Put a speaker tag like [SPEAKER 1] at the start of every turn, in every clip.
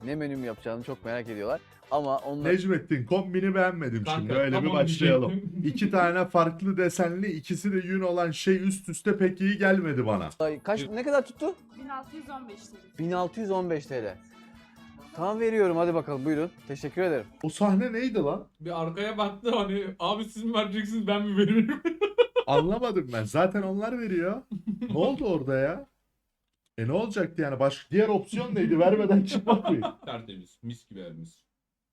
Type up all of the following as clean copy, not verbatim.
[SPEAKER 1] ne menüm yapacağını çok merak ediyorlar. Ama onlar
[SPEAKER 2] Necmettin kombini beğenmedim
[SPEAKER 3] Kanka,
[SPEAKER 2] şimdi. Öyle bir
[SPEAKER 3] tamam
[SPEAKER 2] başlayalım.
[SPEAKER 3] diyecektim.
[SPEAKER 2] 2 tane farklı desenli, ikisi de yün olan şey üst üste pek iyi gelmedi bana.
[SPEAKER 1] ne kadar tuttu?
[SPEAKER 4] 1615 TL.
[SPEAKER 1] 1615 TL. Tamam veriyorum, hadi bakalım, buyurun. Teşekkür ederim.
[SPEAKER 2] O sahne neydi lan?
[SPEAKER 3] Bir arkaya baktı hani abi siz mi vereceksiniz ben mi veririm?
[SPEAKER 2] Anlamadım ben. Zaten onlar veriyor. Ne oldu orada ya? Ne olacaktı yani? Diğer opsiyon neydi? Vermeden çıkmak mı?
[SPEAKER 3] Tertemiz. Mis gibi evimiz.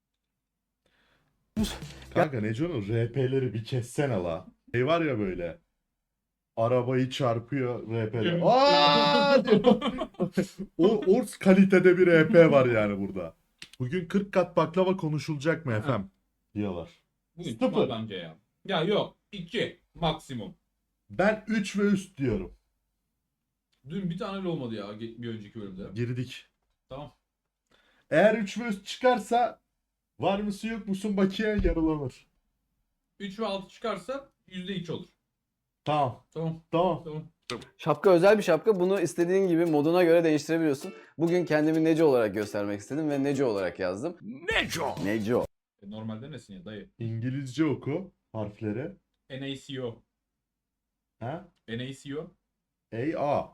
[SPEAKER 2] Kanka Neco'nun RP'leri bir kessene la. Şey var ya böyle. Arabayı çarpıyor RP'de. Aa diyor. O kalitede bir RP var yani burada. Bugün 40 kat baklava konuşulacak mı efendim? Diyorlar.
[SPEAKER 3] Bugün
[SPEAKER 2] Sıfır.
[SPEAKER 3] çıkmaz bence ya. Ya yok. 2 maksimum.
[SPEAKER 2] Ben 3 ve üst diyorum.
[SPEAKER 3] Dün bir tane bile olmadı ya bir önceki bölümde.
[SPEAKER 2] Girdik.
[SPEAKER 3] Tamam.
[SPEAKER 2] Eğer 3 ve üst çıkarsa var mısın yok musun bakiye yarılanır.
[SPEAKER 3] 3 ve 6 çıkarsa %2 olur.
[SPEAKER 2] Tamam.
[SPEAKER 3] Tamam.
[SPEAKER 2] Tamam.
[SPEAKER 3] Tamam.
[SPEAKER 1] Şapka özel bir şapka. Bunu istediğin gibi moduna göre değiştirebiliyorsun. Bugün kendimi Neco olarak göstermek istedim ve Neco olarak yazdım.
[SPEAKER 5] Neco.
[SPEAKER 1] Neco.
[SPEAKER 3] Normalde nesin ya dayı?
[SPEAKER 2] İngilizce oku harfleri.
[SPEAKER 3] NaCO.
[SPEAKER 2] Ha?
[SPEAKER 3] NaCO.
[SPEAKER 2] A.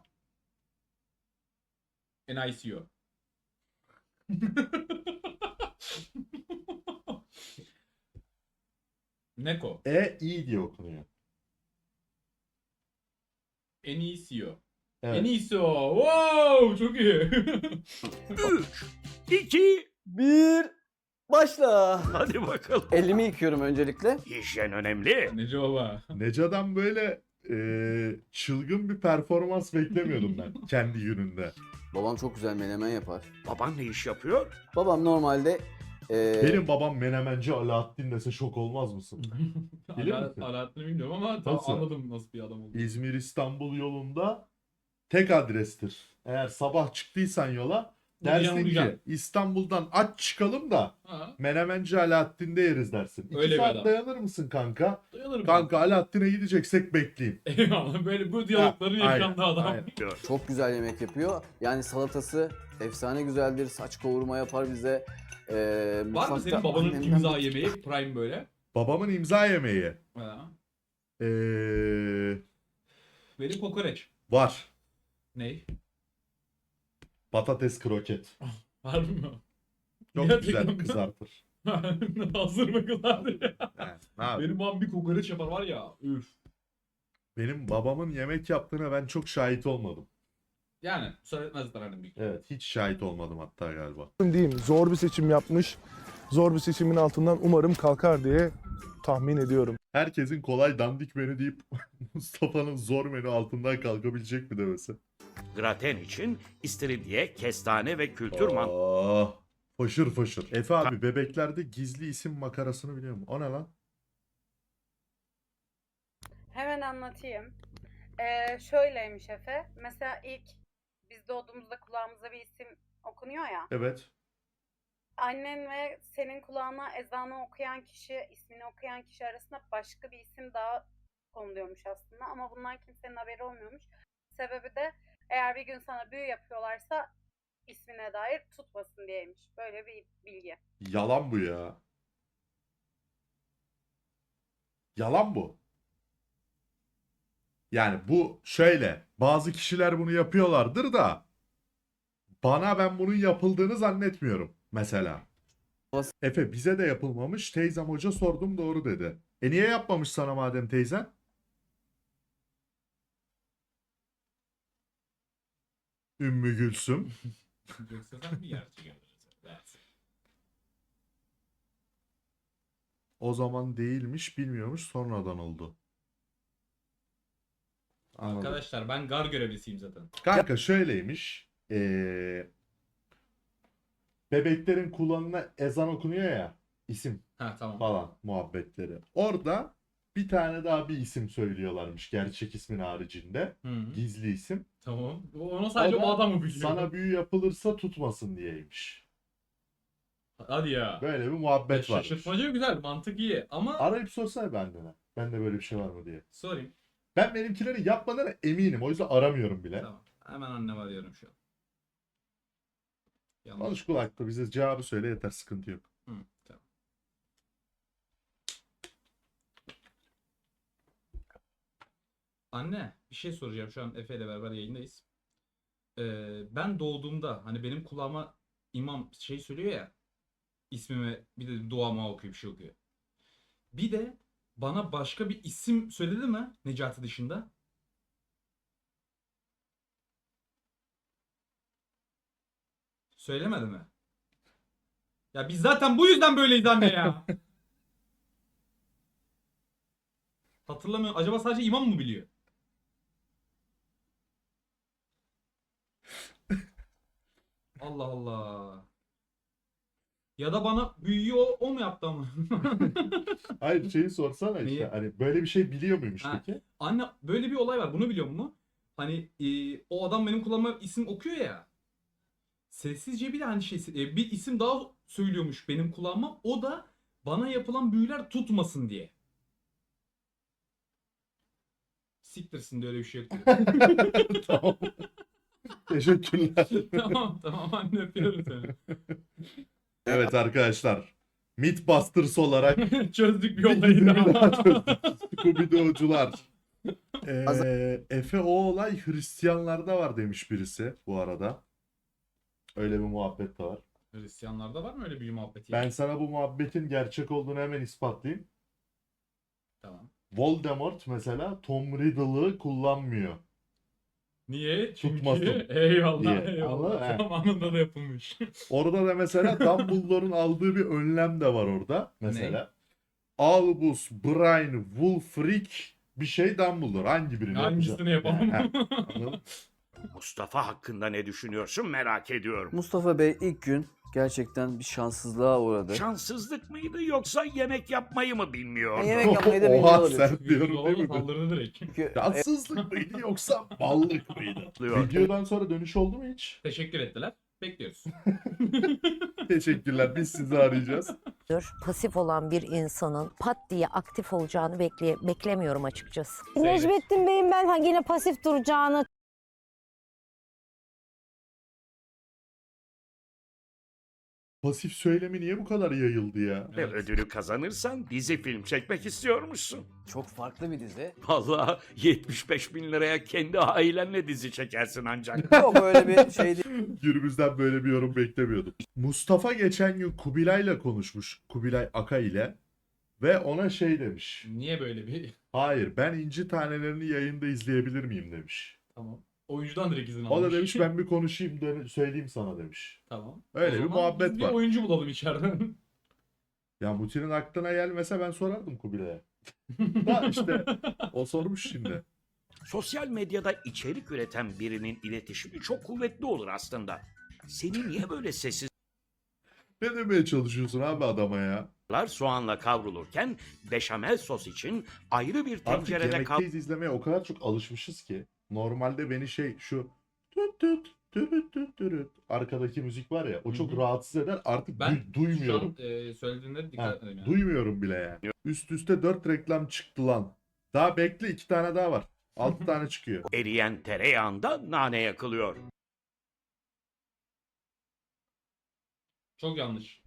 [SPEAKER 3] NiCO. Neko.
[SPEAKER 2] I diye okunuyor.
[SPEAKER 3] NiCO.
[SPEAKER 2] Evet.
[SPEAKER 3] NiCO. Wow, çok iyi.
[SPEAKER 5] 3, 2,
[SPEAKER 1] 1. Başla.
[SPEAKER 5] hadi bakalım.
[SPEAKER 1] Elimi yıkıyorum öncelikle.
[SPEAKER 5] Hijyen önemli.
[SPEAKER 3] Nece baba.
[SPEAKER 2] Neca'dan böyle çılgın bir performans beklemiyordum ben kendi gününde.
[SPEAKER 1] Babam çok güzel menemen yapar.
[SPEAKER 5] Baban ne iş yapıyor?
[SPEAKER 1] Babam normalde
[SPEAKER 2] Benim babam menemenci Alaaddin dese şok olmaz mısın? Bilir misin?
[SPEAKER 3] Alaaddin'i bilmiyorum ama tam
[SPEAKER 2] Nasıl?
[SPEAKER 3] anladım nasıl bir adam olduğunu.
[SPEAKER 2] İzmir-İstanbul yolunda tek adrestir. Eğer sabah çıktıysan yola dersin ki
[SPEAKER 3] Uğrayacaksın.
[SPEAKER 2] İstanbul'dan aç çıkalım da
[SPEAKER 3] Ha,
[SPEAKER 2] menemenci Alaaddin'de yeriz dersin. 2
[SPEAKER 3] Öyle bir
[SPEAKER 2] saat
[SPEAKER 3] adam.
[SPEAKER 2] dayanır mısın kanka?
[SPEAKER 3] dayanırım.
[SPEAKER 2] Kanka Alaaddin'e gideceksek bekleyeyim.
[SPEAKER 3] Eyvallah böyle bu diyalogların
[SPEAKER 2] Ha,
[SPEAKER 3] yaşandığı
[SPEAKER 2] aynen,
[SPEAKER 3] adam.
[SPEAKER 2] aynen.
[SPEAKER 1] çok güzel yemek yapıyor. Yani salatası efsane güzeldir. Saç kavurma yapar bize.
[SPEAKER 3] Var mı
[SPEAKER 1] Mutfakta
[SPEAKER 3] senin babanın
[SPEAKER 1] annemden
[SPEAKER 3] imza
[SPEAKER 1] bir-
[SPEAKER 3] yemeği prime böyle?
[SPEAKER 2] Babamın imza yemeği.
[SPEAKER 3] Ha. Benim kokoreç.
[SPEAKER 2] Var.
[SPEAKER 3] Ney?
[SPEAKER 2] Patates kroket.
[SPEAKER 3] Var mı?
[SPEAKER 2] Çok
[SPEAKER 3] Gerçekten
[SPEAKER 2] güzel
[SPEAKER 3] mi?
[SPEAKER 2] kızartır.
[SPEAKER 3] Hazır mı kızardı ya?
[SPEAKER 2] Yani, ne yapayım?
[SPEAKER 3] Benim babam bir kokoreç yapar var ya. Üf.
[SPEAKER 2] Benim babamın yemek yaptığına ben çok şahit olmadım.
[SPEAKER 3] Yani müsaade etmezler hani bir.
[SPEAKER 2] Evet, hiç şahit olmadım hatta galiba.
[SPEAKER 6] diyeyim, zor bir seçim yapmış. Zor bir seçimin altından umarım kalkar diye tahmin ediyorum.
[SPEAKER 2] Herkesin kolay dandik menü deyip Mustafa'nın zor menü altından kalkabilecek mi demesi.
[SPEAKER 5] Graten için istiridye, kestane ve kültür mantığı.
[SPEAKER 2] Oh, foşur foşur. Efe abi bebeklerde gizli isim makarasını biliyor musun? O ne lan?
[SPEAKER 7] Hemen anlatayım. Şöyleymiş Efe. Mesela ilk biz doğduğumuzda kulağımıza bir isim okunuyor ya.
[SPEAKER 2] Evet.
[SPEAKER 7] Annen ve senin kulağına ezanı okuyan kişi, ismini okuyan kişi arasında başka bir isim daha konuluyormuş aslında. Ama bundan kimsenin haberi olmuyormuş. Sebebi de eğer bir gün sana büyü yapıyorlarsa ismine dair tutmasın diyeymiş. Böyle bir bilgi.
[SPEAKER 2] Yalan bu ya. Yalan bu. Yani bu şöyle. Bazı kişiler bunu yapıyorlardır da ben bunun yapıldığını zannetmiyorum mesela. Efe bize de yapılmamış. Teyzem hoca sordum doğru dedi. Niye yapmamış sana madem teyzen? Ümmü Gülsüm.
[SPEAKER 3] Yoksa sen mi gerçek yapıyorsun?
[SPEAKER 2] O zaman değilmiş, bilmiyormuş, sonradan oldu. Anladım.
[SPEAKER 3] Arkadaşlar ben gar görevlisiyim zaten.
[SPEAKER 2] Kanka şöyleymiş. Bebeklerin kulağına ezan okunuyor ya. İsim
[SPEAKER 3] Ha tamam.
[SPEAKER 2] falan muhabbetleri. Orada bir tane daha bir isim söylüyorlarmış gerçek ismin haricinde.
[SPEAKER 3] Hı.
[SPEAKER 2] Gizli isim.
[SPEAKER 3] Tamam. Onu sadece
[SPEAKER 2] O da
[SPEAKER 3] o adam mı biliyor?
[SPEAKER 2] Sana büyü yapılırsa tutmasın diyeymiş.
[SPEAKER 3] Hadi ya.
[SPEAKER 2] Böyle bir muhabbet var.
[SPEAKER 3] Şaşırtmacı güzel, mantık iyi ama
[SPEAKER 2] Arayıp sorsana benden. Bende böyle bir şey var mı diye.
[SPEAKER 3] sorayım.
[SPEAKER 2] Ben benimkileri yapmadığına eminim. O yüzden aramıyorum bile.
[SPEAKER 3] Tamam. Hemen annemi arıyorum şu an. Yanlış.
[SPEAKER 2] Konuş kulakta bize cevabı söyle yeter, sıkıntı yok.
[SPEAKER 3] Hı, tamam. Anne bir şey soracağım. Şu an Efe ile beraber yayındayız. Ben doğduğumda hani benim kulağıma imam şey söylüyor ya, ismime bir de duama okuyor, bir şey okuyor. Bir de bana başka bir isim söyledi mi Necati dışında? Söylemedi mi? Ya biz zaten bu yüzden böyleyiz anne ya. Hatırlamıyorum. Acaba sadece imam mı biliyor? Allah Allah. Ya da bana büyüyü o mu yaptı ama?
[SPEAKER 2] Hayır, şeyi sorsana işte.
[SPEAKER 3] Neyi?
[SPEAKER 2] Hani böyle bir şey biliyor muymuş
[SPEAKER 3] Ha.
[SPEAKER 2] peki?
[SPEAKER 3] Anne böyle bir olay var. Bunu biliyor musun? Hani o adam benim kulağıma isim okuyor ya. Sessizce bir de hani bir isim daha söylüyormuş benim kulağıma. O da bana yapılan büyüler tutmasın diye. Siktirsin de öyle bir şey yok.
[SPEAKER 2] Tamam. Teşekkürler.
[SPEAKER 3] Tamam anne, öpüyorum seni.
[SPEAKER 2] Evet arkadaşlar. Mythbusters olarak
[SPEAKER 3] Çözdük bir
[SPEAKER 2] bir
[SPEAKER 3] olayı
[SPEAKER 2] gizemi daha
[SPEAKER 3] daha.
[SPEAKER 2] çözdük. Scooby-Doo'cular. Efe, o olay Hristiyanlarda var demiş birisi bu arada. Öyle bir muhabbet de var.
[SPEAKER 3] Hristiyanlarda var mı öyle bir muhabbeti?
[SPEAKER 2] Ben sana bu muhabbetin gerçek olduğunu hemen ispatlayayım.
[SPEAKER 3] Tamam.
[SPEAKER 2] Voldemort mesela Tom Riddle'ı kullanmıyor.
[SPEAKER 3] Niye? Çünkü
[SPEAKER 2] Tutmasın
[SPEAKER 3] eyvallah
[SPEAKER 2] diye.
[SPEAKER 3] eyvallah.
[SPEAKER 2] Ama, he.
[SPEAKER 3] Zamanında da yapılmış.
[SPEAKER 2] Orada da mesela Dumbledore'un aldığı bir önlem de var orada. Mesela. Albus, Brian, Wulfric bir şey Dumbledore. Hangi birini
[SPEAKER 3] Hangisini
[SPEAKER 2] yapacak?
[SPEAKER 3] yapalım?
[SPEAKER 2] He, anladın mı?
[SPEAKER 5] Mustafa hakkında ne düşünüyorsun merak ediyorum.
[SPEAKER 1] Mustafa Bey ilk gün gerçekten bir şanssızlığa uğradı.
[SPEAKER 5] Şanssızlık mıydı yoksa yemek yapmayı mı bilmiyordu?
[SPEAKER 1] Yemek yapmayı da bilmiyor
[SPEAKER 2] Oha,
[SPEAKER 1] olabilir.
[SPEAKER 2] sen diyorum değil mi?
[SPEAKER 3] Saldırdı direkt.
[SPEAKER 1] Çünkü
[SPEAKER 2] Şanssızlık mıydı yoksa ballık mıydı?
[SPEAKER 5] Diyor.
[SPEAKER 2] Videodan sonra dönüş oldu mu hiç?
[SPEAKER 3] Teşekkür ettiler. Bekliyoruz.
[SPEAKER 2] Teşekkürler. Biz sizi arayacağız.
[SPEAKER 4] Pasif olan bir insanın pat diye aktif olacağını beklemiyorum açıkçası.
[SPEAKER 3] Seyret.
[SPEAKER 8] Necmettin Bey'in ben yine pasif duracağını
[SPEAKER 2] Pasif söylemi niye bu kadar yayıldı ya?
[SPEAKER 5] Ve ödülü kazanırsan dizi film çekmek istiyormuşsun.
[SPEAKER 1] çok farklı bir dizi.
[SPEAKER 5] Vallahi 75 bin liraya kendi ailenle dizi çekersin ancak.
[SPEAKER 1] Yok öyle bir şey değil.
[SPEAKER 2] Gürbüz'den böyle bir yorum beklemiyordum. Mustafa geçen gün Kubilay'la konuşmuş. Kubilay Aka ile. Ve ona şey demiş.
[SPEAKER 3] Niye böyle bir...
[SPEAKER 2] Hayır, ben İnci Taneleri'ni yayında izleyebilir miyim demiş.
[SPEAKER 3] Tamam. Oyuncudan direkt izin
[SPEAKER 2] O
[SPEAKER 3] almış.
[SPEAKER 2] da demiş ben bir konuşayım söyleyeyim sana demiş.
[SPEAKER 3] Tamam.
[SPEAKER 2] Öyle
[SPEAKER 3] O
[SPEAKER 2] bir
[SPEAKER 3] zaman
[SPEAKER 2] muhabbet
[SPEAKER 3] biz
[SPEAKER 2] var.
[SPEAKER 3] bir oyuncu bulalım içeriden.
[SPEAKER 2] Ya Muti'nin aklına gelmese ben sorardım Kubilay'a. Da işte o sormuş şimdi.
[SPEAKER 5] Sosyal medyada içerik üreten birinin iletişimi çok kuvvetli olur aslında. Seni niye böyle sessizler
[SPEAKER 2] Ne demeye çalışıyorsun abi adama ya?
[SPEAKER 5] soğanla kavrulurken beşamel sos için ayrı bir
[SPEAKER 2] Artık
[SPEAKER 5] tencerede
[SPEAKER 2] Yemekteyiz izlemeye o kadar çok alışmışız ki. Normalde beni şu tüt tüt tüt tüt tüt arkadaki müzik var ya o çok
[SPEAKER 3] Hı hı.
[SPEAKER 2] rahatsız eder. Artık
[SPEAKER 3] Ben
[SPEAKER 2] duymuyorum.
[SPEAKER 3] şu an söylediğinde
[SPEAKER 2] Ha,
[SPEAKER 3] dikkat edeyim yani.
[SPEAKER 2] duymuyorum bile yani. Üst üste 4 reklam çıktı lan. Daha bekle 2 tane daha var. 6 tane çıkıyor.
[SPEAKER 5] eriyen tereyağında nane yakılıyor.
[SPEAKER 3] Çok yanlış.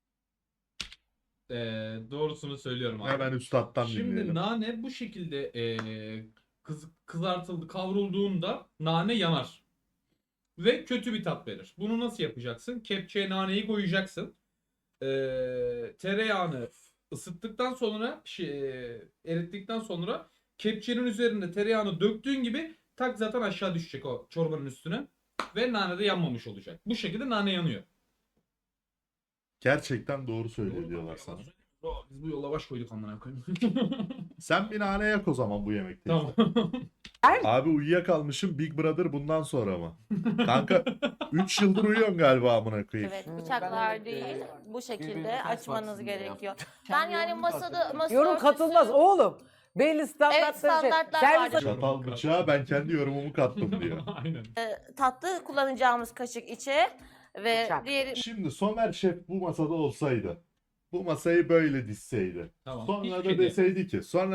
[SPEAKER 3] Doğrusunu söylüyorum abi.
[SPEAKER 2] Hemen üstattan
[SPEAKER 3] Şimdi
[SPEAKER 2] dinleyelim.
[SPEAKER 3] nane bu şekilde kızartıldı, kavrulduğunda nane yanar. Ve kötü bir tat verir. Bunu nasıl yapacaksın? Kepçeye naneyi koyacaksın. Tereyağını ısıttıktan sonra, erittikten sonra kepçenin üzerinde tereyağını döktüğün gibi tak zaten aşağı düşecek o çorbanın üstüne. Ve nane de yanmamış olacak. Bu şekilde nane yanıyor.
[SPEAKER 2] Gerçekten doğru söylüyor diyorlar sana.
[SPEAKER 3] Biz bu yola baş koyduk amına koyayım.
[SPEAKER 2] Sen bir nane yak o zaman bu yemekteyiz.
[SPEAKER 3] Tamam.
[SPEAKER 2] Abi uyuyakalmışım Big Brother bundan sonra mı? Kanka 3 yıldır uyuyorsun galiba amına koyayım.
[SPEAKER 8] evet
[SPEAKER 1] Ben
[SPEAKER 8] bıçaklar
[SPEAKER 1] de,
[SPEAKER 8] değil bu
[SPEAKER 1] birbirini
[SPEAKER 8] şekilde
[SPEAKER 1] ters
[SPEAKER 8] açmanız
[SPEAKER 1] baksın diye
[SPEAKER 8] gerekiyor.
[SPEAKER 1] yaptım.
[SPEAKER 8] Ben
[SPEAKER 1] Kendi
[SPEAKER 8] yani
[SPEAKER 1] yorumumu
[SPEAKER 8] masa
[SPEAKER 1] katılıyorum.
[SPEAKER 8] katılmaz
[SPEAKER 9] oğlum. Belli standartları
[SPEAKER 8] standartlar
[SPEAKER 9] Servis
[SPEAKER 8] vardır.
[SPEAKER 2] Çatal bıçağı ben kendi yorumumu kattım diyor.
[SPEAKER 3] Aynen.
[SPEAKER 8] Tatlı kullanacağımız kaşık içe ve
[SPEAKER 9] Bıçak.
[SPEAKER 8] diğeri
[SPEAKER 2] Şimdi Somer Şef bu masada olsaydı, bu masayı böyle dizseydi,
[SPEAKER 3] Tamam.
[SPEAKER 2] sonra
[SPEAKER 3] Hiçbir
[SPEAKER 2] da
[SPEAKER 3] şey değil.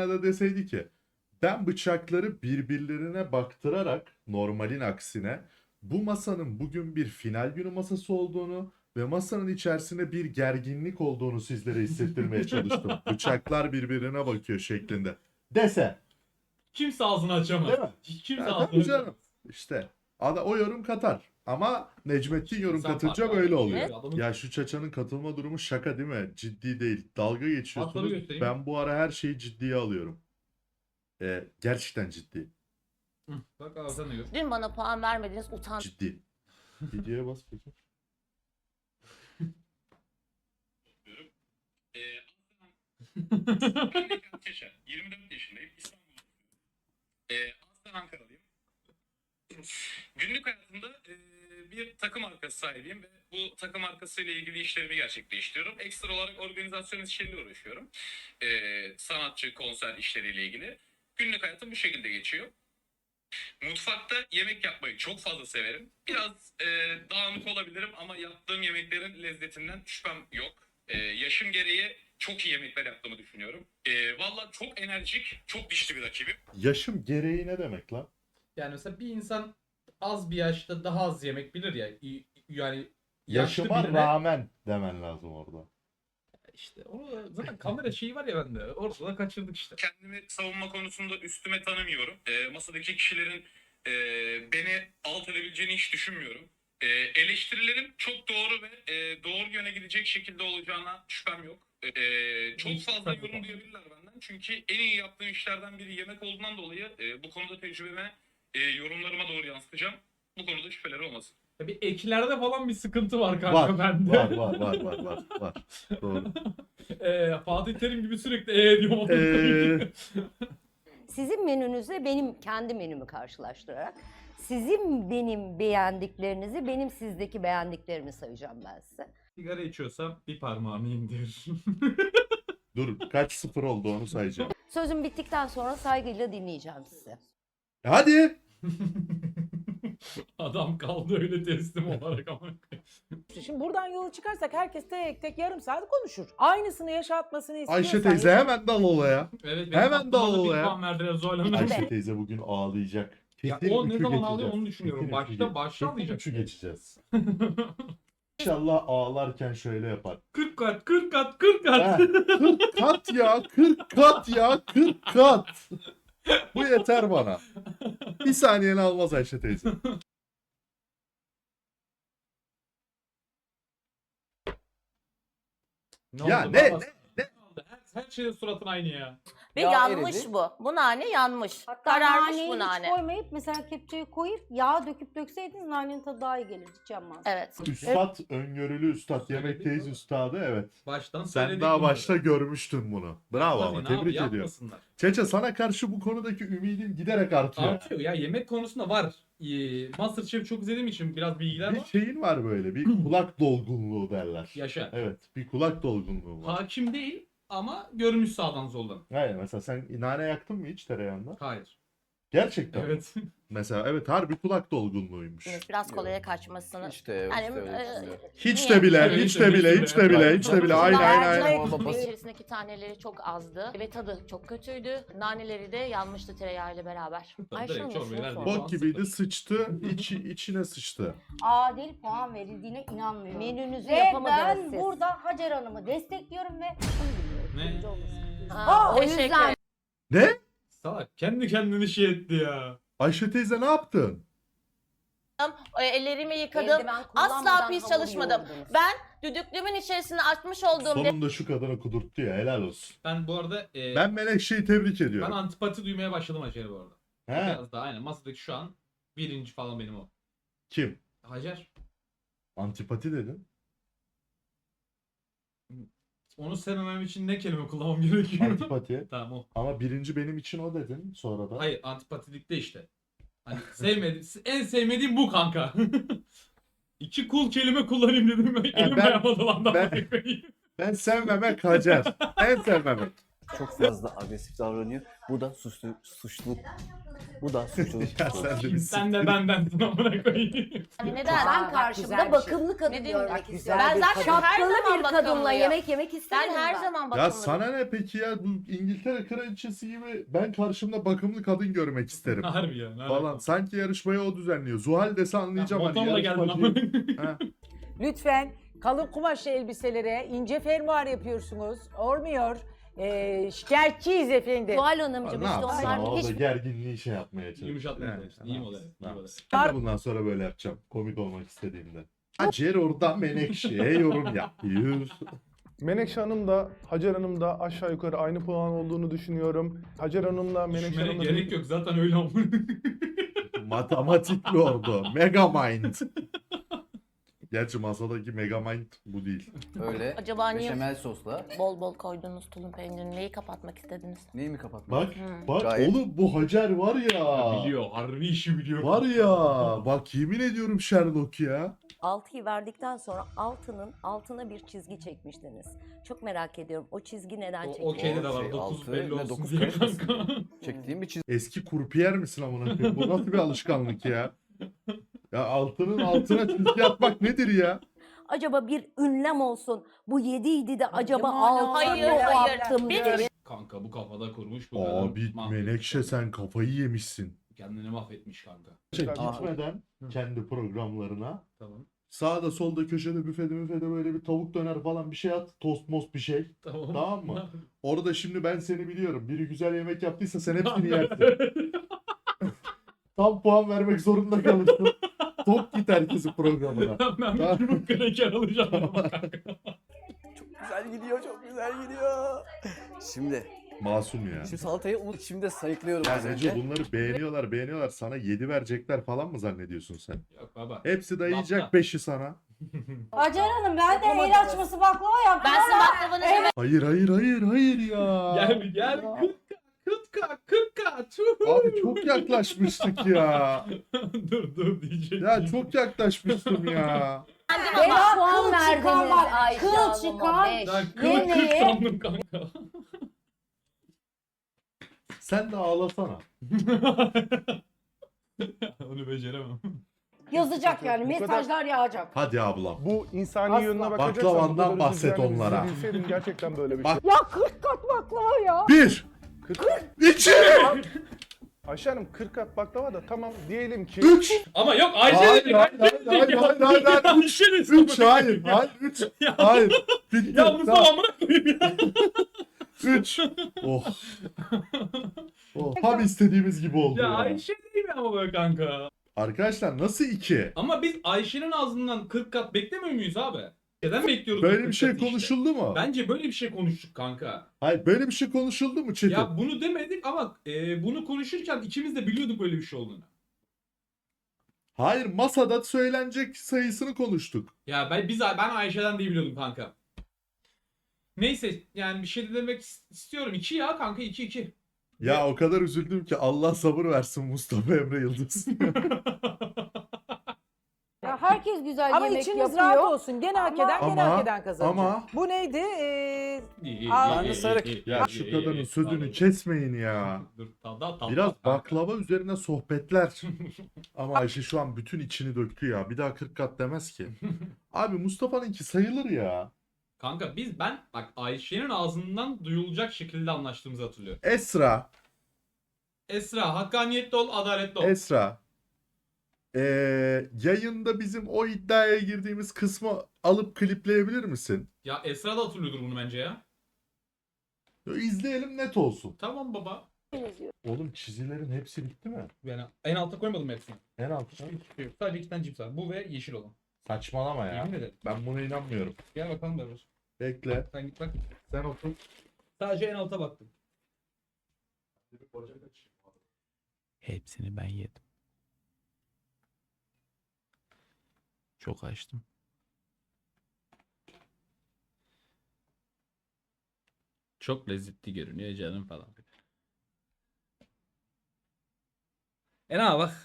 [SPEAKER 2] deseydi ki ben bıçakları birbirlerine baktırarak normalin aksine bu masanın bugün bir final günü masası olduğunu ve masanın içerisinde bir gerginlik olduğunu sizlere hissettirmeye çalıştım. Bıçaklar birbirine bakıyor şeklinde. Dese.
[SPEAKER 3] Kimse ağzını açamaz.
[SPEAKER 2] Değil mi?
[SPEAKER 3] Hiç kimse
[SPEAKER 2] Ya
[SPEAKER 3] ağzını
[SPEAKER 2] tabii
[SPEAKER 3] açamaz.
[SPEAKER 2] canım. İşte. O yorum katar. Ama Necmettin yorum
[SPEAKER 3] İnsan
[SPEAKER 2] katınca
[SPEAKER 3] farkı
[SPEAKER 2] böyle
[SPEAKER 3] var.
[SPEAKER 2] oluyor.
[SPEAKER 3] Evet, adamın-
[SPEAKER 2] Ya şu Çaça'nın katılma durumu şaka değil mi? Ciddi değil. Dalga
[SPEAKER 3] Hatları
[SPEAKER 2] geçiyorsunuz.
[SPEAKER 3] göstereyim.
[SPEAKER 2] Ben bu ara her şeyi ciddiye alıyorum. Gerçekten ciddi.
[SPEAKER 3] Hı, bak abi sen de gör.
[SPEAKER 8] Dün bana puan vermediniz, utan.
[SPEAKER 2] Ciddi. Videoya bas peki.
[SPEAKER 10] Ben Necat Yaşar. 24 yaşındayım. İstanbul'da. Aslen Ankaralıyım. Günlük hayatımda bir takım markası sahibiyim ve bu takım markası ile ilgili işlerimi gerçekleştiriyorum. Ekstra olarak organizasyon işleriyle uğraşıyorum. Sanatçı, konser işleriyle ilgili. Günlük hayatım bu şekilde geçiyor. Mutfakta yemek yapmayı çok fazla severim. Biraz dağınık olabilirim ama yaptığım yemeklerin lezzetinden şüphem yok. Yaşım gereği çok iyi yemekler yaptığımı düşünüyorum. Valla çok enerjik, çok dişli bir rakibim.
[SPEAKER 2] Yaşım gereği ne demek lan?
[SPEAKER 3] Yani mesela bir insan az bir yaşta daha az yemek bilir ya. Yani yaşlı
[SPEAKER 2] Yaşıma
[SPEAKER 3] birine-
[SPEAKER 2] rağmen demen lazım orada.
[SPEAKER 3] İşte o zaten kamera şeyi var ya bende. Orada da kaçırdık işte.
[SPEAKER 10] Kendimi savunma konusunda üstüme tanımıyorum. Masadaki kişilerin beni alt edebileceğini hiç düşünmüyorum. Eleştirilerim çok doğru ve doğru yöne gidecek şekilde olacağına şüphem yok. Çok
[SPEAKER 3] Hiç
[SPEAKER 10] fazla
[SPEAKER 3] tabii
[SPEAKER 10] yorum
[SPEAKER 3] ki.
[SPEAKER 10] duyabilirler benden. Çünkü en iyi yaptığım işlerden biri yemek olduğundan dolayı bu konuda tecrübeme, yorumlarıma doğru yansıtacağım. Bu konuda şüpheleri olmasın.
[SPEAKER 3] Ya bir eklerde falan bir sıkıntı var kanka
[SPEAKER 2] Var,
[SPEAKER 3] bende.
[SPEAKER 2] var. Doğru.
[SPEAKER 3] Fatih Terim gibi sürekli diyorum.
[SPEAKER 4] Sizin menünüzle benim kendi menümü karşılaştırarak sizin benim beğendiklerinizi benim sizdeki beğendiklerimi sayacağım ben size.
[SPEAKER 3] Sigara içiyorsam bir parmağımı indir.
[SPEAKER 2] Dur, kaç sıfır oldu onu sayacağım.
[SPEAKER 4] Sözüm bittikten sonra saygıyla dinleyeceğim sizi.
[SPEAKER 2] Hadi.
[SPEAKER 3] Adam kaldı öyle teslim olarak ama.
[SPEAKER 9] Şimdi buradan yola çıkarsak herkes tek tek yarım saat konuşur. Aynısını yaşatmasını istiyorsan...
[SPEAKER 2] Ayşe teyze hemen dal olaya.
[SPEAKER 3] Evet,
[SPEAKER 2] Hemen
[SPEAKER 3] aklıma da
[SPEAKER 2] dağıl
[SPEAKER 3] bir
[SPEAKER 2] ya.
[SPEAKER 3] puan verdiler Zuhal Hanım.
[SPEAKER 2] Ayşe teyze bugün ağlayacak.
[SPEAKER 3] Ya
[SPEAKER 2] Kesin
[SPEAKER 3] o ne
[SPEAKER 2] üçü
[SPEAKER 3] zaman
[SPEAKER 2] geçeceğiz.
[SPEAKER 3] ağlıyor onu düşünüyorum.
[SPEAKER 2] Kesin
[SPEAKER 3] Başta-
[SPEAKER 2] üçü geç-
[SPEAKER 3] başta
[SPEAKER 2] kesin
[SPEAKER 3] ağlayacak.
[SPEAKER 2] üçü geçeceğiz. İnşallah ağlarken şöyle yapar.
[SPEAKER 3] 40 kat, 40 kat, 40 kat.
[SPEAKER 2] Heh, 40 kat ya, 40 kat ya, 40 kat. Bu yeter bana. Bir saniyeni almaz Ayşe teyze. Ya
[SPEAKER 3] oldu
[SPEAKER 2] ne,
[SPEAKER 3] baba?
[SPEAKER 2] ne?
[SPEAKER 3] oldu? Her şeyin suratın aynı ya.
[SPEAKER 8] Ve
[SPEAKER 1] Yağ
[SPEAKER 8] yanmış
[SPEAKER 1] eridi.
[SPEAKER 8] bu. Bu nane yanmış.
[SPEAKER 11] Hatta
[SPEAKER 8] Kararmış
[SPEAKER 11] naneyi
[SPEAKER 8] bu
[SPEAKER 11] hiç
[SPEAKER 8] nane.
[SPEAKER 11] koymayıp mesela kepçeyi koyup yağ döküp dökseydiniz nanenin tadı daha iyi gelirdi. Hiç yanmaz.
[SPEAKER 8] Evet.
[SPEAKER 2] Üstad, öngörülü üstad, yemekteyiz üstadı, evet.
[SPEAKER 3] Baştan
[SPEAKER 2] Sen
[SPEAKER 3] söyledik
[SPEAKER 2] daha
[SPEAKER 3] bunları.
[SPEAKER 2] başta görmüştün bunu. Bravo
[SPEAKER 3] Tabii,
[SPEAKER 2] ama
[SPEAKER 3] ne
[SPEAKER 2] tebrik
[SPEAKER 3] abi,
[SPEAKER 2] ediyorum.
[SPEAKER 3] yapmasınlar.
[SPEAKER 2] Çeçe, sana karşı bu konudaki ümidim giderek artıyor.
[SPEAKER 3] Artıyor ya, yemek konusunda var. Masterchef çok izlediğim için biraz bilgiler
[SPEAKER 2] Bir
[SPEAKER 3] var.
[SPEAKER 2] şeyin var böyle, bir kulak dolgunluğu derler.
[SPEAKER 3] Yaşa.
[SPEAKER 2] Evet, bir kulak dolgunluğu var.
[SPEAKER 3] Hakim değil ama görmüş sağdan soldan.
[SPEAKER 2] Hayır, mesela sen nane yaktın mı hiç tereyağında?
[SPEAKER 3] Hayır.
[SPEAKER 2] Gerçekten.
[SPEAKER 3] Evet.
[SPEAKER 2] Mesela evet, harbi kulak dolgunluğuymuş.
[SPEAKER 8] Biraz kolaya kaçmasını.
[SPEAKER 1] Hiç de,
[SPEAKER 8] Hani,
[SPEAKER 1] hiç de öyle düşünmüyorum.
[SPEAKER 2] Hiç de bile,
[SPEAKER 3] Evet,
[SPEAKER 2] hiç de bile, hiç de bile, hiç de bile. Aynen aynen aynen.
[SPEAKER 1] Babası-
[SPEAKER 8] İçerisindeki taneleri çok azdı ve tadı çok kötüydü. Naneleri de yanmıştı tereyağıyla beraber.
[SPEAKER 4] Ayşe
[SPEAKER 3] Direkt
[SPEAKER 4] Hanım,
[SPEAKER 3] çorbayı
[SPEAKER 4] şunu
[SPEAKER 3] verdi.
[SPEAKER 4] sor.
[SPEAKER 2] Bok gibiydi, sıçtı, içine sıçtı.
[SPEAKER 11] Adil puan verildiğine inanmıyorum.
[SPEAKER 4] Menünüzü
[SPEAKER 11] Ve
[SPEAKER 4] yapamadınız
[SPEAKER 11] ben
[SPEAKER 4] siz.
[SPEAKER 11] burada Hacer Hanım'ı destekliyorum ve
[SPEAKER 3] Ne?
[SPEAKER 4] O
[SPEAKER 8] Teşekkür
[SPEAKER 4] yüzden
[SPEAKER 8] ederim.
[SPEAKER 2] Ne?
[SPEAKER 3] Salak kendi kendini şey etti ya.
[SPEAKER 2] Ayşe teyze ne yaptın?
[SPEAKER 8] Ellerimi yıkadım.
[SPEAKER 4] eldiven
[SPEAKER 8] Asla
[SPEAKER 4] kullanmadan
[SPEAKER 8] pis
[SPEAKER 4] hamur
[SPEAKER 8] çalışmadım.
[SPEAKER 4] yoğurdunuz.
[SPEAKER 8] Ben düdüklümün içerisine açmış olduğum
[SPEAKER 2] Sonunda şu kadını kudurttu ya, helal olsun.
[SPEAKER 3] Ben bu arada
[SPEAKER 2] Ben Menekşe'yi tebrik
[SPEAKER 3] ben
[SPEAKER 2] ediyorum.
[SPEAKER 3] antipati duymaya başladım Hacer'e bu arada.
[SPEAKER 2] He?
[SPEAKER 3] Biraz daha aynen. Masadaki şu an birinci falan benim o.
[SPEAKER 2] Kim?
[SPEAKER 3] Hacer.
[SPEAKER 2] Antipati dedin.
[SPEAKER 3] Onu sevmemem için ne kelime kullanmam gerekiyor?
[SPEAKER 2] Antipati.
[SPEAKER 3] Tamam o.
[SPEAKER 2] Ama birinci benim için o dedin sonra da.
[SPEAKER 3] Hayır, antipatilikte işte. Hani en sevmediğim bu kanka. İki cool kelime kullanayım dedim. Elim
[SPEAKER 2] ben-
[SPEAKER 3] ayağıma dolandı.
[SPEAKER 2] ben- Ben sevmemek Hacer. En sevmemek.
[SPEAKER 1] çok fazla agresif davranıyor. Bu da suçluluk. Bu da suçluluk.
[SPEAKER 2] Ya sen de bir
[SPEAKER 3] Sen de bendensin amına koyayım.
[SPEAKER 8] Neden?
[SPEAKER 4] Ben
[SPEAKER 9] bak güzel
[SPEAKER 4] karşımda
[SPEAKER 9] bir şey.
[SPEAKER 4] bakımlı kadın
[SPEAKER 8] Ne
[SPEAKER 4] görmek
[SPEAKER 8] demek?
[SPEAKER 4] istiyorum.
[SPEAKER 9] Güzel
[SPEAKER 4] Ben
[SPEAKER 9] bir
[SPEAKER 4] zaten
[SPEAKER 9] kadın.
[SPEAKER 8] Her
[SPEAKER 4] şapkalı
[SPEAKER 8] zaman
[SPEAKER 4] bir kadınla
[SPEAKER 8] bakımlıyım.
[SPEAKER 4] yemek yemek
[SPEAKER 8] Ben
[SPEAKER 4] istemiyorum.
[SPEAKER 8] her zaman
[SPEAKER 2] Ya
[SPEAKER 8] bakımlıyım.
[SPEAKER 2] sana ne peki ya, bu İngiltere kraliçesi gibi ben karşımda bakımlı kadın görmek isterim
[SPEAKER 3] Harbi ya. ne
[SPEAKER 2] falan.
[SPEAKER 3] alaka?
[SPEAKER 2] Sanki yarışmayı o düzenliyor. Zuhal dese anlayacağım hani
[SPEAKER 3] Motorla geldin
[SPEAKER 2] yarışmacıyım.
[SPEAKER 3] ama.
[SPEAKER 2] Ha.
[SPEAKER 9] Lütfen kalın kumaşlı elbiselere ince fermuar yapıyorsunuz. Olmuyor. Şikayetçiyiz efendim.
[SPEAKER 4] Zuhal Hanımcığım
[SPEAKER 2] Ne
[SPEAKER 4] işte
[SPEAKER 2] yapsın
[SPEAKER 4] onlar
[SPEAKER 2] orada
[SPEAKER 4] hiç
[SPEAKER 2] gerginliği şey yapmaya çalışıyor.
[SPEAKER 3] Yumuşatmaya
[SPEAKER 2] Yani,
[SPEAKER 3] çalıştı. İyi model.
[SPEAKER 2] ne
[SPEAKER 3] iyi model.
[SPEAKER 2] yapsın? Ben de bundan sonra böyle yapacağım. Komik olmak istediğimde. Hacer orada Menekşe'ye yorum yapıyor.
[SPEAKER 6] Menekşe Hanım da Hacer Hanım da aşağı yukarı aynı puan olduğunu düşünüyorum. Hacer Hanım'la Menekşe
[SPEAKER 3] Düşünmene
[SPEAKER 6] Hanım'la
[SPEAKER 3] gerek yok zaten öyle ama.
[SPEAKER 2] Matematikli ordu. Megamind. Gerçi masadaki Megamind bu değil.
[SPEAKER 1] Öyle
[SPEAKER 8] Acaba niye
[SPEAKER 1] beşamel sosla.
[SPEAKER 8] bol bol koyduğunuz tulum peynirini neyi kapatmak istediniz?
[SPEAKER 1] Neyi mi kapatmak?
[SPEAKER 2] Bak
[SPEAKER 8] Hmm.
[SPEAKER 2] bak
[SPEAKER 1] Gayet-
[SPEAKER 2] oğlum bu Hacer var ya.
[SPEAKER 3] Biliyor. Harbi işi biliyor.
[SPEAKER 2] Var ya. Bak yemin ediyorum Sherlock ya.
[SPEAKER 4] 6'yı verdikten sonra altına bir çizgi çekmiştiniz. Çok merak ediyorum. O çizgi neden
[SPEAKER 3] O
[SPEAKER 4] çekildi?
[SPEAKER 3] şeyde de var.
[SPEAKER 1] Şey,
[SPEAKER 3] 9
[SPEAKER 1] altı
[SPEAKER 3] belli
[SPEAKER 1] ne,
[SPEAKER 3] olsun
[SPEAKER 1] dokuz
[SPEAKER 3] diye
[SPEAKER 1] karışmasın.
[SPEAKER 3] kanka.
[SPEAKER 1] Çektiğim bir çizgi.
[SPEAKER 2] Eski kurpiyer misin amına koyayım? Bu nasıl bir alışkanlık ya? Ya altının altına çizgi atmak nedir ya?
[SPEAKER 4] Acaba bir ünlem olsun. Bu 7'ydi de acaba
[SPEAKER 9] Yaman,
[SPEAKER 4] 6
[SPEAKER 8] hayır,
[SPEAKER 4] mı
[SPEAKER 8] hayır.
[SPEAKER 4] yaptım
[SPEAKER 8] Bir-
[SPEAKER 4] diye.
[SPEAKER 3] Kanka bu kafada kurmuş bu kadar.
[SPEAKER 2] Abi Menekşe sen kafayı yemişsin.
[SPEAKER 3] Kendini mahvetmiş kanka.
[SPEAKER 2] Gitmeden kendi programlarına
[SPEAKER 3] Tamam.
[SPEAKER 2] sağda solda köşede büfede böyle bir tavuk döner falan bir şey at. Tost most bir şey.
[SPEAKER 3] Tamam.
[SPEAKER 2] Tamam mı? Orada şimdi ben seni biliyorum. Biri güzel yemek yaptıysa sen hepsini yersin. Tam puan vermek zorunda kalırsın. Tok git herkesi programına.
[SPEAKER 3] Ben bir çubuk kraker alacağım ama kanka.
[SPEAKER 1] Güzel gidiyor, çok güzel gidiyor. Şimdi
[SPEAKER 2] Masum ya.
[SPEAKER 1] Şimdi salatayı şimdi sayıklıyorum.
[SPEAKER 2] Ya
[SPEAKER 1] az
[SPEAKER 2] Neco
[SPEAKER 1] önce.
[SPEAKER 2] bunları beğeniyorlar. Sana 7 verecekler falan mı zannediyorsun sen?
[SPEAKER 3] Yok baba.
[SPEAKER 2] Hepsi dayayacak
[SPEAKER 3] Lafta.
[SPEAKER 2] 5'i sana.
[SPEAKER 11] Hacer Hanım ben de
[SPEAKER 9] Yapamadınız.
[SPEAKER 11] el açması baklava yaptım
[SPEAKER 8] Ben sizin
[SPEAKER 11] ama
[SPEAKER 8] baklavanızı
[SPEAKER 2] Hayır ya.
[SPEAKER 3] Gel. 40k. Tüh.
[SPEAKER 2] Abi çok yaklaşmıştık ya.
[SPEAKER 3] dur diyecek.
[SPEAKER 2] Ya çok yaklaşmıştım ya.
[SPEAKER 8] beğendim
[SPEAKER 4] Beş
[SPEAKER 8] ama
[SPEAKER 4] puan
[SPEAKER 11] kıl
[SPEAKER 4] verdiniz
[SPEAKER 11] çıkan bak,
[SPEAKER 4] Ayşe
[SPEAKER 11] kıl
[SPEAKER 4] Hanım'a.
[SPEAKER 11] çıkan.
[SPEAKER 4] 5.
[SPEAKER 3] Ben
[SPEAKER 11] Yemeği-
[SPEAKER 3] 40 sandım kanka.
[SPEAKER 2] Sen de ağlasana.
[SPEAKER 3] Onu beceremem.
[SPEAKER 11] Yazacak yani
[SPEAKER 6] Bu kadar-
[SPEAKER 11] mesajlar yağacak.
[SPEAKER 2] Hadi ablam.
[SPEAKER 6] Bu insani
[SPEAKER 11] Asla.
[SPEAKER 6] yönüne bakacaksan
[SPEAKER 2] Baklavandan
[SPEAKER 6] bu kadar
[SPEAKER 2] bahset
[SPEAKER 6] üzüleceğini
[SPEAKER 2] onlara.
[SPEAKER 6] bilseydim gerçekten böyle bir
[SPEAKER 2] Bak-
[SPEAKER 6] şey.
[SPEAKER 11] Ya 40 kat baklava ya.
[SPEAKER 2] 1 2
[SPEAKER 6] Ayşe Hanım 40 kat baklava da tamam diyelim ki
[SPEAKER 2] 3
[SPEAKER 3] Ama yok
[SPEAKER 2] Hayır,
[SPEAKER 3] Ayşe dedik.
[SPEAKER 2] hayır, hayır.
[SPEAKER 3] Ayşe dedik.
[SPEAKER 2] 3 hayır 3
[SPEAKER 3] Ya,
[SPEAKER 2] hayır. Bitti.
[SPEAKER 3] ya Mustafa amına koyayım ya.
[SPEAKER 2] 3 Oh. Oh. Tam istediğimiz gibi oldu
[SPEAKER 3] Ya
[SPEAKER 2] ya.
[SPEAKER 3] Ayşe değil mi ama böyle kanka?
[SPEAKER 2] Arkadaşlar nasıl 2?
[SPEAKER 3] Ama biz Ayşe'nin ağzından 40 kat beklemiyor muyuz abi? Neden bekliyoruz? bu
[SPEAKER 2] Böyle
[SPEAKER 3] 40
[SPEAKER 2] bir şey
[SPEAKER 3] katı işte?
[SPEAKER 2] konuşuldu mu?
[SPEAKER 3] Bence böyle bir şey konuştuk kanka.
[SPEAKER 2] Hayır böyle bir şey konuşuldu mu Çetin?
[SPEAKER 3] Ya bunu demedik ama bunu konuşurken ikimiz de biliyorduk böyle bir şey olduğunu.
[SPEAKER 2] Hayır masada söylenecek sayısını konuştuk.
[SPEAKER 3] Ya ben Ayşe'den diye biliyordum kanka. Neyse yani bir şey de demek istiyorum. 2 ya kanka 2.
[SPEAKER 2] Ya o kadar üzüldüm ki Allah sabır versin Mustafa Emre Yıldız.
[SPEAKER 11] Ya herkes güzel
[SPEAKER 9] Ama
[SPEAKER 11] yemek
[SPEAKER 9] içiniz
[SPEAKER 11] yapıyor.
[SPEAKER 9] rahat olsun. Gene hak eden gene
[SPEAKER 2] Ama-
[SPEAKER 9] hak eden kazanacak.
[SPEAKER 2] ama-
[SPEAKER 9] Bu neydi?
[SPEAKER 1] Karnı sarık.
[SPEAKER 2] Ya şu kadının sözünü kesmeyin ya.
[SPEAKER 3] Dur, tamam,
[SPEAKER 2] Biraz
[SPEAKER 3] kanka.
[SPEAKER 2] baklava üzerine sohbetler. Ama Ayşe şu an bütün içini döktü ya. Bir daha 40 kat demez ki. Abi Mustafa'nınki sayılır ya.
[SPEAKER 3] Kanka ben bak Ayşe'nin ağzından duyulacak şekilde anlaştığımızı hatırlıyorum.
[SPEAKER 2] Esra.
[SPEAKER 3] Esra hakkaniyetli ol, adaletli ol.
[SPEAKER 2] Esra. Yayında bizim o iddiaya girdiğimiz kısmı alıp klipleyebilir misin?
[SPEAKER 3] Ya Esra da hatırlıyordur bunu bence ya.
[SPEAKER 2] Ya İzleyelim net olsun.
[SPEAKER 3] Tamam baba.
[SPEAKER 2] Oğlum çizilerin hepsi bitti mi?
[SPEAKER 3] Yani en alta koymadım hepsini.
[SPEAKER 2] En altına.
[SPEAKER 3] Yok, sadece 2 tane cips var. Bu ve yeşil olan.
[SPEAKER 2] Saçmalama ya.
[SPEAKER 3] Yemin ederim.
[SPEAKER 2] Ben buna inanmıyorum.
[SPEAKER 3] Gel bakalım Berber.
[SPEAKER 2] Bekle.
[SPEAKER 3] Sen git bak.
[SPEAKER 2] Sen otur.
[SPEAKER 3] Sadece en alta baktım.
[SPEAKER 12] Hepsini ben yedim. Çok açtım.
[SPEAKER 3] Çok lezzetli görünüyor canım falan. Ne bak.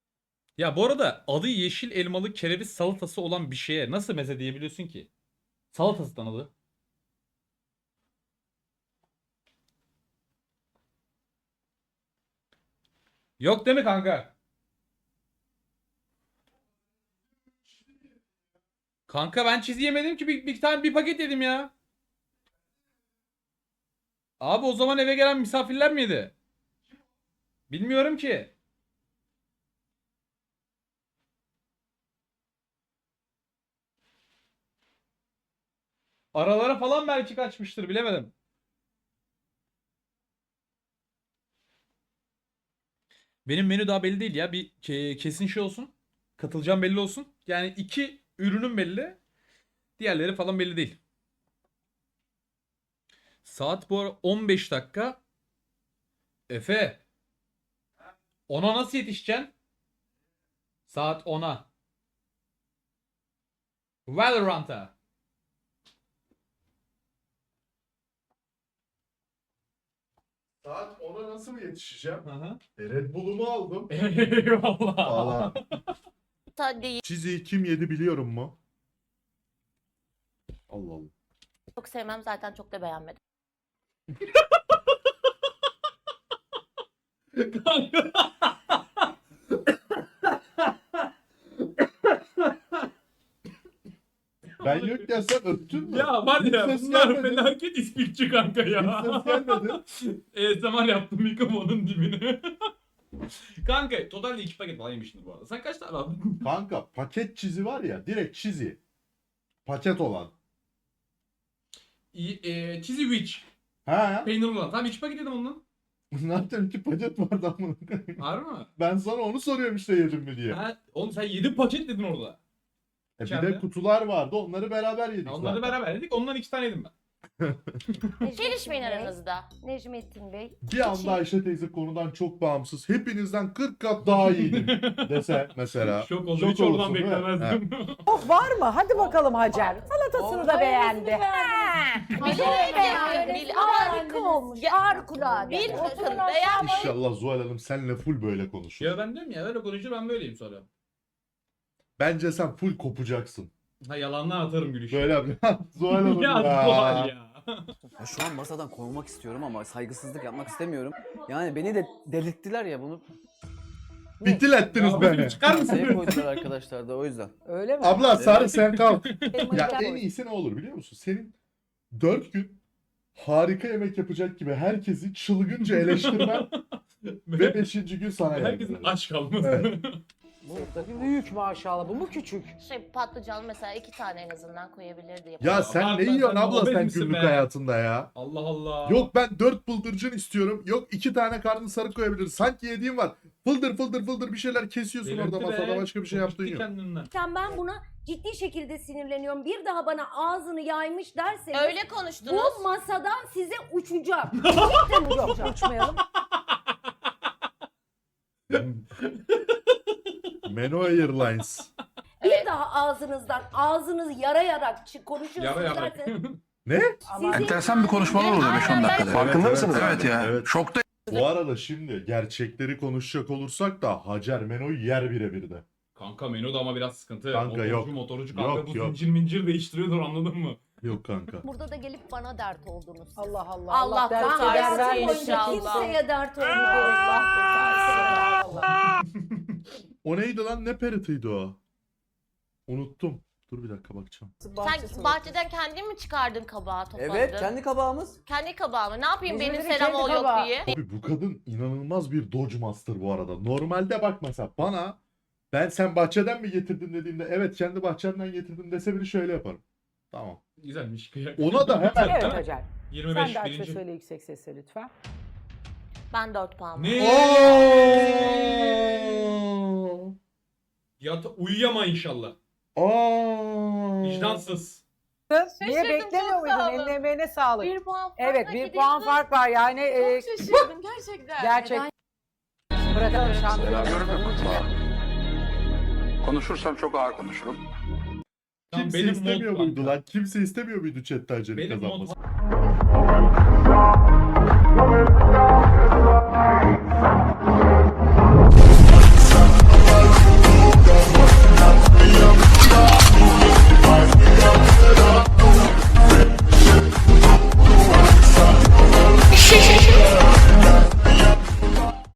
[SPEAKER 3] Ya bu arada adı yeşil elmalı kereviz salatası olan bir şeye nasıl meze diyebiliyorsun ki? Salatası adı. Yok değil mi kanka? Kanka ben cheese yemedim ki bir tane bir paket yedim ya. Abi o zaman eve gelen misafirler miydi? Bilmiyorum ki. Aralara falan belki kaçmıştır bilemedim. Benim menü daha belli değil ya. Bir kesin şey olsun. Katılacağım belli olsun. Yani 2 ürünüm belli. Diğerleri falan belli değil. Saat bu ara 15 dakika. Efe. 10'a nasıl yetişeceksin? Saat 10'a. Valorant'a.
[SPEAKER 2] Saat 10'a nasıl mı yetişeceğim?
[SPEAKER 3] Hı hı.
[SPEAKER 2] Red Bull'umu aldım.
[SPEAKER 3] Eyvallah.
[SPEAKER 2] Valla.
[SPEAKER 8] Değil.
[SPEAKER 2] Çiziyi kim yedi biliyorum mu? Allah Allah.
[SPEAKER 8] Çok sevmem zaten çok da beğenmedim.
[SPEAKER 2] Ben yokken sen öptün mü?
[SPEAKER 3] Ya var
[SPEAKER 2] Hiç
[SPEAKER 3] ya
[SPEAKER 2] ses
[SPEAKER 3] bunlar
[SPEAKER 2] gelmedi.
[SPEAKER 3] felaket ispikçi kanka
[SPEAKER 2] Hiç
[SPEAKER 3] ya.
[SPEAKER 2] ses gelmedi.
[SPEAKER 3] ASMR yaptım mikrofonun dibine. Kanka totalde 2 paket falan yemiştin bu arada. Sen kaç tane aldın?
[SPEAKER 2] Kanka paket çizi var ya, direkt çizi. Paket olan.
[SPEAKER 3] Cheesy Witch.
[SPEAKER 2] Ha?
[SPEAKER 3] Peynirli olan. Tamam 2 paket yedim ondan.
[SPEAKER 2] Zaten 2 paket vardı ama.
[SPEAKER 3] Harbi mi?
[SPEAKER 2] Ben sana onu soruyorum işte yedim mi diye.
[SPEAKER 3] Ha, oğlum sen 7 paket dedin orada.
[SPEAKER 2] Bir
[SPEAKER 3] içeride.
[SPEAKER 2] de kutular vardı, onları beraber yedik
[SPEAKER 3] Onları
[SPEAKER 2] zaten.
[SPEAKER 3] beraber yedik. Ondan 2 tane yedim ben.
[SPEAKER 8] Gelişmeyin aranızda.
[SPEAKER 4] Necmettin Bey.
[SPEAKER 2] Bir anda Ayşe teyze konudan çok bağımsız. Hepinizden 40 kat daha iyiydim dese mesela.
[SPEAKER 3] Şok oldu. Hiç oradan
[SPEAKER 2] olursun, değil mi?
[SPEAKER 3] beklemezdim.
[SPEAKER 9] Oh var mı? Hadi bakalım Hacer. Salatasını da beğendi.
[SPEAKER 4] Harika olmuş. Harikulade.
[SPEAKER 8] Bir bakın
[SPEAKER 4] Oturun
[SPEAKER 8] beğenmedim.
[SPEAKER 2] İnşallah Zuhal Hanım senle full böyle konuşur.
[SPEAKER 3] Ya ben diyorum ya öyle konuşur ben böyleyim sonra.
[SPEAKER 2] Bence sen full kopacaksın.
[SPEAKER 3] Ha yalandan atarım gülüşü.
[SPEAKER 2] Böyle yap. Zuhal Hanım
[SPEAKER 3] ya.
[SPEAKER 2] ya.
[SPEAKER 3] Zuhal ya.
[SPEAKER 1] Ya şu an masadan kovmak istiyorum ama saygısızlık yapmak istemiyorum. Yani beni de delirttiler ya bunu.
[SPEAKER 2] Bitil ettiniz
[SPEAKER 3] Ya
[SPEAKER 2] beni.
[SPEAKER 3] çıkar
[SPEAKER 1] Masaya
[SPEAKER 3] mısın?
[SPEAKER 1] koydular arkadaşlar da o yüzden.
[SPEAKER 9] Öyle mi?
[SPEAKER 2] Abla Sarı sen kal.
[SPEAKER 4] Elmayı
[SPEAKER 2] Ya
[SPEAKER 4] da
[SPEAKER 2] en
[SPEAKER 4] koy.
[SPEAKER 2] iyisi ne olur biliyor musun? Senin 4 gün harika yemek yapacak gibi herkesi çılgınca eleştirmen ve 5. gün sana
[SPEAKER 3] Herkesin
[SPEAKER 2] yardım
[SPEAKER 3] aç kalması.
[SPEAKER 2] Evet.
[SPEAKER 9] Bu tabii büyük maşallah. Bu mu küçük?
[SPEAKER 8] Şey patlıcan mesela 2 tane en azından koyabilirdi.
[SPEAKER 2] Ya
[SPEAKER 8] yapalım.
[SPEAKER 2] sen
[SPEAKER 3] Abartma,
[SPEAKER 2] ne yiyorsun
[SPEAKER 3] sen
[SPEAKER 2] abla
[SPEAKER 3] obez
[SPEAKER 2] sen
[SPEAKER 3] misin
[SPEAKER 2] günlük
[SPEAKER 3] be?
[SPEAKER 2] hayatında ya?
[SPEAKER 3] Allah Allah.
[SPEAKER 2] Yok ben 4 bıldırcın istiyorum. Yok 2 tane karnı sarı koyabiliriz. Sanki yediğim var. Fıldır fıldır fıldır bir şeyler kesiyorsun
[SPEAKER 3] Delirtti
[SPEAKER 2] orada masada
[SPEAKER 3] be.
[SPEAKER 2] başka bir şey
[SPEAKER 3] Çok
[SPEAKER 2] yaptığın
[SPEAKER 3] gitti
[SPEAKER 2] yok.
[SPEAKER 3] kendinden.
[SPEAKER 4] Ben buna ciddi şekilde sinirleniyorum. Bir daha bana ağzını yaymış derseniz
[SPEAKER 8] Öyle konuştunuz.
[SPEAKER 4] bu masadan size uçacağım. Cidden uçacağım.
[SPEAKER 9] Uçmayalım.
[SPEAKER 2] Meno Airlines.
[SPEAKER 4] Bir daha ağzınızı yarayarak
[SPEAKER 3] Yara
[SPEAKER 4] konuşuyorsunuz
[SPEAKER 3] yara.
[SPEAKER 4] derseniz
[SPEAKER 2] Ne?
[SPEAKER 9] Ama
[SPEAKER 4] Enteresan
[SPEAKER 13] bir konuşmalar oluyor 5-10 dakikada.
[SPEAKER 2] Farkında mısınız?
[SPEAKER 13] Evet ya.
[SPEAKER 2] Evet.
[SPEAKER 13] Şokta.
[SPEAKER 2] Bu arada şimdi gerçekleri konuşacak olursak da Hacer Meno'yu yer birebir de.
[SPEAKER 3] Kanka menü de ama biraz sıkıntı.
[SPEAKER 2] Kanka yok.
[SPEAKER 3] Motorcu kanka
[SPEAKER 2] Yok,
[SPEAKER 3] bu
[SPEAKER 2] yok.
[SPEAKER 3] zincir mincir değiştiriyordur anladın mı?
[SPEAKER 2] Yok kanka.
[SPEAKER 4] burada da gelip bana dert oldunuz. siz.
[SPEAKER 9] Allah Allah.
[SPEAKER 8] Allah
[SPEAKER 9] dert
[SPEAKER 8] kurtarsın
[SPEAKER 9] eder
[SPEAKER 4] Hayatım
[SPEAKER 9] vermesin.
[SPEAKER 4] boyunca
[SPEAKER 8] inşallah.
[SPEAKER 4] kimseye dert olmuyor.
[SPEAKER 8] Allah kurtarsın.
[SPEAKER 2] O neydi lan? Ne peritiydi o? Unuttum. Dur bir dakika bakacağım.
[SPEAKER 8] Sen bahçeden kendin mi çıkardın kabağı topladın?
[SPEAKER 1] Evet kendi kabağımız.
[SPEAKER 8] Kendi kabağı mı? Ne yapayım benim
[SPEAKER 9] İzmir'in
[SPEAKER 8] selam
[SPEAKER 9] kendi
[SPEAKER 8] ol yok
[SPEAKER 9] kabağı.
[SPEAKER 8] diye.
[SPEAKER 2] Abi bu kadın inanılmaz bir Dodge Master bu arada. Normalde bak mesela bana sen bahçeden mi getirdin dediğimde evet kendi bahçemden getirdim dese biri şöyle yaparım. Tamam.
[SPEAKER 3] Güzelmiş. Kıyak.
[SPEAKER 2] Ona da hemen
[SPEAKER 9] Evet Hacer.
[SPEAKER 3] 25
[SPEAKER 9] Sen de aç ve
[SPEAKER 3] birinci.
[SPEAKER 9] söyle yüksek sesle lütfen.
[SPEAKER 8] Ben 4 puan.
[SPEAKER 3] Ne?
[SPEAKER 2] Oo!
[SPEAKER 3] Uyuyama inşallah.
[SPEAKER 2] Aa!
[SPEAKER 3] Vicdansız.
[SPEAKER 9] Niye
[SPEAKER 8] Şaşırdım,
[SPEAKER 9] beklemiyor
[SPEAKER 8] çok
[SPEAKER 9] muydun?
[SPEAKER 8] sağ olun.
[SPEAKER 9] Eline emeğine sağlık.
[SPEAKER 8] 1 puan farkla
[SPEAKER 9] Evet bir puan
[SPEAKER 8] gidildi.
[SPEAKER 9] fark var yani.
[SPEAKER 8] Çok şaşırdım gerçekten.
[SPEAKER 9] Gerçek. Bırakalım şampiyonu.
[SPEAKER 13] Konuşursam çok ağır konuşurum.
[SPEAKER 3] Tamam,
[SPEAKER 2] Kimse
[SPEAKER 3] benim
[SPEAKER 2] istemiyor
[SPEAKER 3] mod
[SPEAKER 2] muydu
[SPEAKER 3] kanka.
[SPEAKER 2] lan? Kimse istemiyor muydu chatte Hacer'in
[SPEAKER 3] Benim mod
[SPEAKER 2] kazanmasını?